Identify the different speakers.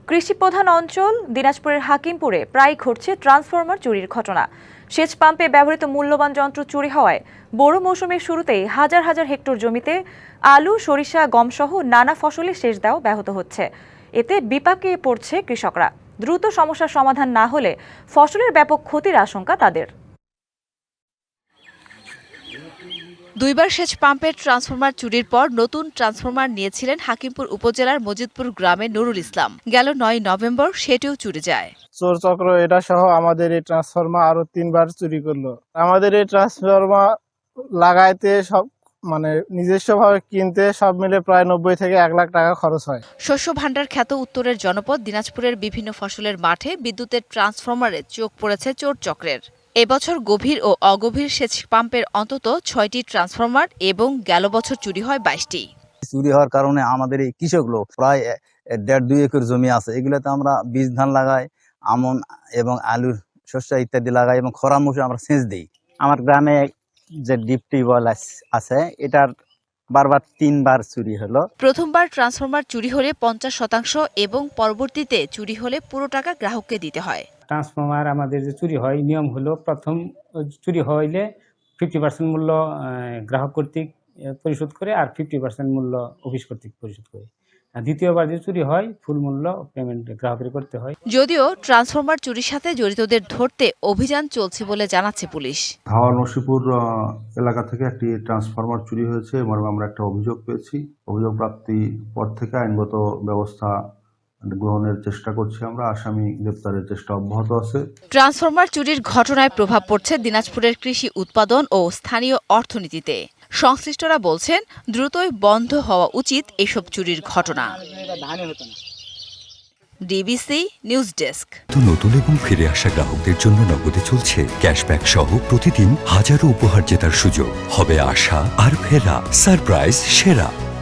Speaker 1: কৃষিপ্রধান অঞ্চল দিনাজপুরের হাকিমপুরে প্রায় ঘটছে ট্রান্সফরমার চুরির ঘটনা। সেচ পাম্পে ব্যবহৃত মূল্যবান যন্ত্র চুরি হওয়ায় বোরো মৌসুমের শুরুতেই হাজার হাজার হেক্টর জমিতে আলু, সরিষা, গমসহ নানা ফসলের সেচ দেওয়া ব্যাহত হচ্ছে। এতে বিপাকে পড়ছে কৃষকরা। দ্রুত সমস্যার সমাধান না হলে ফসলের ব্যাপক ক্ষতির আশঙ্কা তাদের।
Speaker 2: দুইবার সেচ পাম্পের ট্রান্সফরমার চুরির পর নতুন ট্রান্সফরমার নিয়েছিলেন হাকিমপুর উপজেলার মজিদপুর গ্রামের নুরুল ইসলাম। গেল ৯ নভেম্বর সেটিও চুরি যায়।
Speaker 3: চোর চক্র এটা সহ আমাদের এই ট্রান্সফরমার আরো ৩বার চুরি করলো। আমাদের এই ট্রান্সফরমার লাগাইতে সব নিজস্বভাবে কিনতে সব মিলে প্রায় ৯০ থেকে ১ লাখ টাকা খরচ হয়।
Speaker 2: শস্য ভাণ্ডার খ্যাত উত্তরের জনপদ দিনাজপুরের বিভিন্ন ফসলের মাঠে বিদ্যুতের ট্রান্সফরমারে চোখ পড়েছে চোর চক্রের। এবছর গভীর ও অগভীর সেচ পাম্পের অন্তত ৬টি ট্রান্সফরমার এবং গেল বছর চুরি হয় ২২টি।
Speaker 4: চুরি হওয়ার কারণে আমাদের এই কৃষকগুলো প্রায় ১.৫-২ একর জমি আছে, এগুলোতে আমরা বীজ ধান লাগাই, আমন এবং আলুর শস্য ইত্যাদি লাগাই এবং খরা মৌসুমে আমরা সেচ দিই। আমার গ্রামে যে ডিপ টিউবওয়েল আছে এটার বারবার ৩বার চুরি হলো।
Speaker 2: প্রথমবার ট্রান্সফরমার চুরি হলে ৫০% এবং পরবর্তীতে চুরি হলে পুরো টাকা গ্রাহককে দিতে হয়।
Speaker 5: ট্রান্সফরমার আমাদের যে চুরি হয়, নিয়ম হলো প্রথম চুরি হইলে 50% মূল্য গ্রাহক কর্তৃক পরিশোধ করে আর 50% মূল্য অফিস কর্তৃক পরিশোধ করে। দ্বিতীয়বার যে চুরি হয় ফুল মূল্য পেমেন্ট গ্রাহকের করতে হয়।
Speaker 2: যদিও ট্রান্সফরমার চুরির সাথে জড়িতদের ধরতে অভিযান চলছে বলে জানাচ্ছে পুলিশ।
Speaker 6: হাওড়া নসিপুর এলাকা থেকে একটি ট্রান্সফরমার চুরি হয়েছে এবং আমরা একটা অভিযোগ পেয়েছি। অভিযোগ প্রাপ্তির পর থেকে আইনগত ব্যবস্থা গ্রহণের চেষ্টা করছি আমরা। আসামি গ্রেপ্তারের চেষ্টা অব্যাহত আছে।
Speaker 2: ট্রান্সফরমার চুরির ঘটনায় প্রভাব পড়ছে দিনাজপুরের কৃষি উৎপাদন ও স্থানীয় অর্থনীতিতে। সংশ্লিষ্টরা বলছেন দ্রুতই বন্ধ হওয়া উচিত এসব চুরির ঘটনা। DBC news desk.
Speaker 7: নতুন এবং ফিরে আসা গ্রাহকদের জন্য নগদে চলছে ক্যাশব্যাক সহ প্রতিদিন হাজারো উপহার জেতার সুযোগ। হবে আশা আর ফেরা, সারপ্রাইজ সেরা।